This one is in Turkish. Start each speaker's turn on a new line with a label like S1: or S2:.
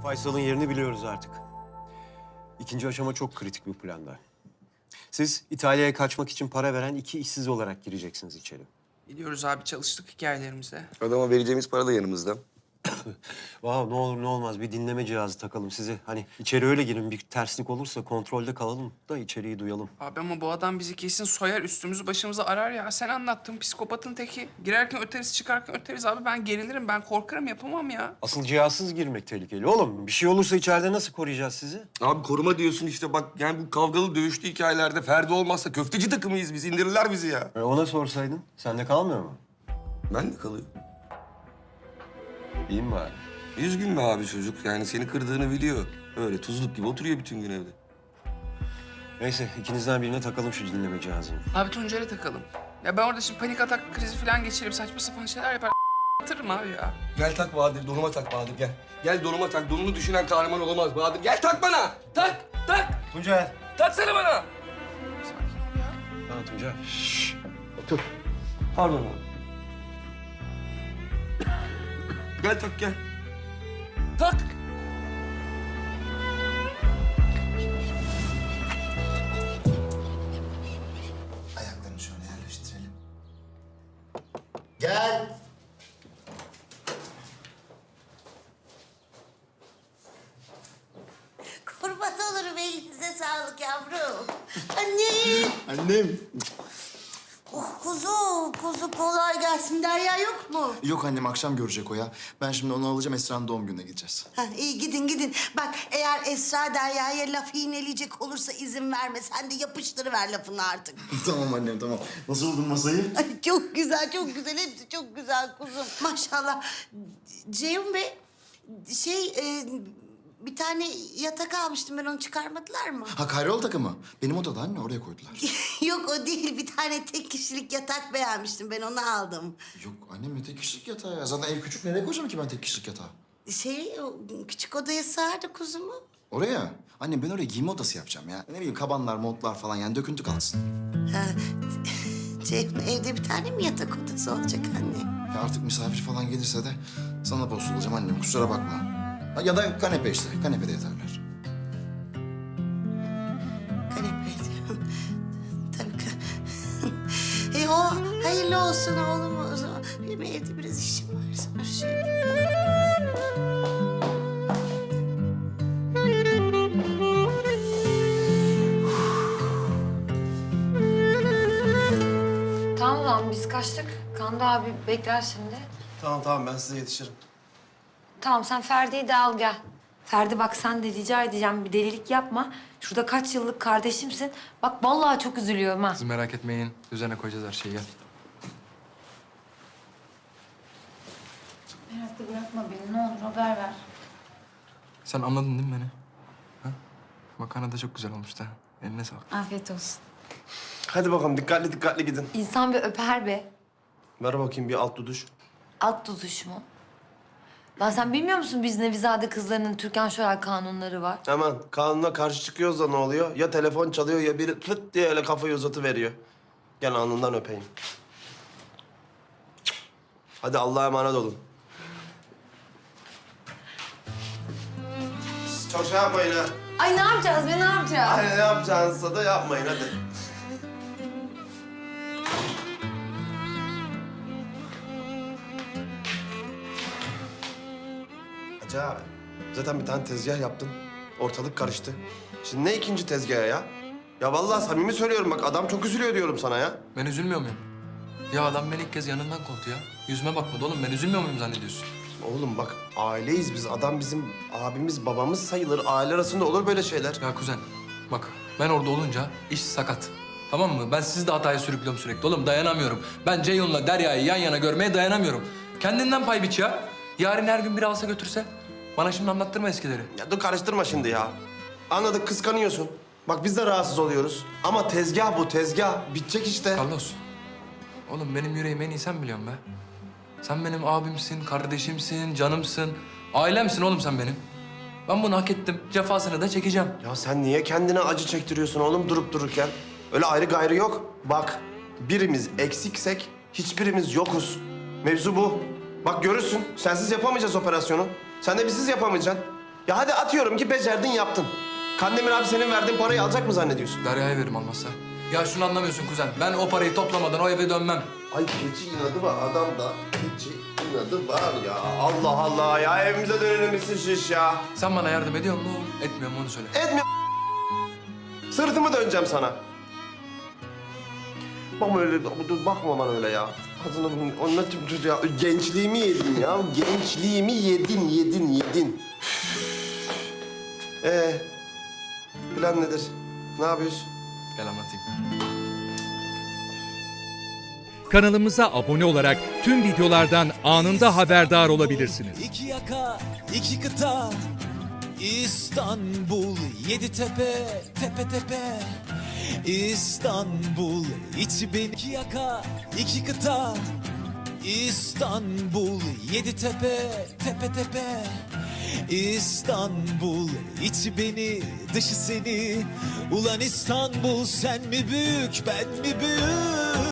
S1: Faysal'ın yerini biliyoruz artık. İkinci aşama çok kritik bir planda. Siz İtalya'ya kaçmak için para veren 2 işsiz olarak gireceksiniz içeri.
S2: Biliyoruz abi, çalıştık hikayelerimize.
S3: Adama vereceğimiz para da yanımızda.
S1: Vav, ne olur ne olmaz bir dinleme cihazı takalım size. Hani içeri öyle girin, bir terslik olursa kontrolde kalalım da içeriği duyalım.
S2: Abi ama bu adam bizi kesin soyar, üstümüzü başımızı arar ya. Sen anlattın, psikopatın teki. Girerken öteriz, çıkarken öteriz abi. Ben gerilirim, ben korkarım, yapamam ya.
S1: Asıl cihazsız girmek tehlikeli oğlum. Bir şey olursa içeride nasıl koruyacağız sizi?
S3: Abi koruma diyorsun işte bak yani bu kavgalı dövüşlü hikayelerde Ferdi olmazsa köfteci takımıyız biz. İndirirler bizi ya.
S1: Ona sorsaydın, sende kalmıyor mu?
S3: Ben de kalıyorum.
S1: İyi mi bari?
S3: Üzgün mü abi çocuk? Yani seni kırdığını biliyor. Öyle tuzluk gibi oturuyor bütün gün evde.
S1: Neyse, ikinizden birine takalım şu dinleme cihazını.
S2: Abi Tuncer'e takalım. Ya ben orada şimdi panik atak krizi falan geçirip saçma sapan şeyler yapar. Atırım abi ya.
S3: Gel tak Bahadır, donuma tak Bahadır gel. Gel donuma tak, donunu düşünen kahraman olamaz Bahadır. Gel tak bana, tak, tak.
S1: Tuncer.
S3: Taksana bana.
S2: Sakin ol ya.
S1: Tamam Tuncer.
S3: Otur. Pardon abi. Gel tak gel. Tak.
S4: Ayaklarını şöyle yerleştirelim. Gel.
S5: Kurban olurum, elinize sağlık yavrum. Annem.
S4: Annem.
S5: Oh kuzu kolay gelsin. Derya yok mu?
S4: Yok annem, akşam görecek o ya. Ben şimdi onu alacağım, Esra'nın doğum gününe gideceğiz.
S5: Ha, iyi gidin. Bak eğer Esra Derya'ya laf iğneleyecek olursa izin verme. Sen de yapıştırıver lafını artık.
S4: Tamam annem, tamam. Nasıl buldun masayı?
S5: Ay, çok güzel. Hepsi çok güzel kuzum. Maşallah. Ceyhun Bey, bir tane yatak almıştım ben, onu çıkarmadılar mı?
S4: Ha, kayrol takımı. Benim odada anne, oraya koydular.
S5: Yok o değil, bir tane tek kişilik yatak beğenmiştim, ben onu aldım.
S4: Yok annem, ne tek kişilik yatağı ya. Zaten ev küçük, nereye koyacağım ki ben tek kişilik yatağı?
S5: O küçük odaya sığardı kuzumu.
S4: Oraya. Annem ben oraya giyinme odası yapacağım ya. Ne bileyim, kabanlar, montlar falan, yani döküntü kalsın.
S5: Ha, Ceyhun, evde bir tane mi yatak odası olacak anne?
S4: Ya artık misafir falan gelirse de sana bozulacağım annem, kusura bakma. Ha, ya da kanepe işte, kanepede yatarlar.
S5: Kanepe diyorum. Tabii ki. O hayırlı olsun oğlum o zaman. Benim evde biraz işim var. Sonra şey...
S6: Tamam lan, biz kaçtık. Kanda abi bekler şimdi.
S7: Tamam ben size yetişirim.
S6: Tamam, sen Ferdi'yi de al gel. Ferdi bak, sen de rica edeceğim, bir delilik yapma. Şurada kaç yıllık kardeşimsin. Bak vallahi çok üzülüyorum ha.
S8: Siz merak etmeyin. Üzerine koyacağız her şeyi. Gel.
S6: Merakla bırakma beni, ne olur haber ver.
S8: Sen anladın değil mi beni? Ha? Makarna da çok güzel olmuş da. Eline sağlık.
S6: Afiyet olsun.
S7: Hadi bakalım dikkatli gidin.
S6: İnsan bir öper be.
S7: Ver bakayım bir alt duduş.
S6: Alt tutuş mu? Lan sen bilmiyor musun biz Nevizade kızlarının Türkan Şoray kanunları var?
S7: Hemen kanuna karşı çıkıyoruz da ne oluyor? Ya telefon çalıyor ya biri tıt diye öyle kafayı uzatıveriyor. Gel alnından öpeyim. Hadi Allah'a emanet olun. Çok şey yapmayın ha.
S6: Ay ne yapacağız be, ne yapacağız?
S7: Hani ne yapacağınızsa da yapmayın hadi. Hacı abi, zaten bir tane tezgah yaptın. Ortalık karıştı. Şimdi ne ikinci tezgahı ya? Ya vallahi samimi söylüyorum bak, adam çok üzülüyor diyorum sana ya.
S8: Ben üzülmüyor muyum? Ya adam beni ilk kez yanından kovdu ya. Yüzüme bakmadı oğlum. Ben üzülmüyor muyum zannediyorsun?
S7: Oğlum bak, aileyiz biz. Adam bizim abimiz, babamız sayılır. Aile arasında olur böyle şeyler.
S8: Ya kuzen, bak ben orada olunca iş sakat. Tamam mı? Ben sizi de hataya sürüklüyorum sürekli. Oğlum dayanamıyorum. Ben Ceyhun'la Derya'yı yan yana görmeye dayanamıyorum. Kendinden pay biç ya. Yarın her gün biri alsa götürse. Bana şimdi anlattırma eskileri.
S7: Ya dur karıştırma şimdi ya. Anladık, kıskanıyorsun. Bak biz de rahatsız oluyoruz. Ama tezgah bu, tezgah. Bitecek işte.
S8: Carlos, oğlum benim yüreğimi en iyi sen biliyorsun be. Sen benim abimsin, kardeşimsin, canımsın. Ailemsin oğlum sen benim. Ben bunu hak ettim. Cefasını da çekeceğim.
S7: Ya sen niye kendine acı çektiriyorsun oğlum durup dururken? Öyle ayrı gayrı yok. Bak, birimiz eksiksek hiçbirimiz yokuz. Mevzu bu. Bak görürsün, sensiz yapamayacağız operasyonu. Sen de bizsiz yapamayacaksın. Ya hadi atıyorum ki becerdin yaptın. Kandemir abi senin verdiğin parayı alacak mı zannediyorsun?
S8: Derya'ya veririm almazsa. Ya şunu anlamıyorsun kuzen. Ben o parayı toplamadan o eve dönmem.
S7: Ay keçi inadı var adamda. Keçi inadı var ya. Allah Allah ya evimize dönelim misin şiş ya?
S8: Sen bana yardım ediyor musun oğlum? Etmiyor mu onu söyle.
S7: Etme. Sırtımı döneceğim sana. Bakma öyle, dur bakma bana öyle ya. Kadını onunla ya. Gençliğimi yedin ya. Gençliğimi yedin. Plan nedir? Ne yapıyorsun?
S8: Gel anlatayım.
S9: Kanalımıza abone olarak tüm videolardan anında haberdar olabilirsiniz.
S10: İki yaka, iki kıta, İstanbul, yedi tepe, tepe tepe. İstanbul, içi beni. İki yaka, iki kıta, İstanbul, yedi tepe, tepe tepe. İstanbul, içi beni, dışı seni. Ulan İstanbul, sen mi büyük, ben mi büyük?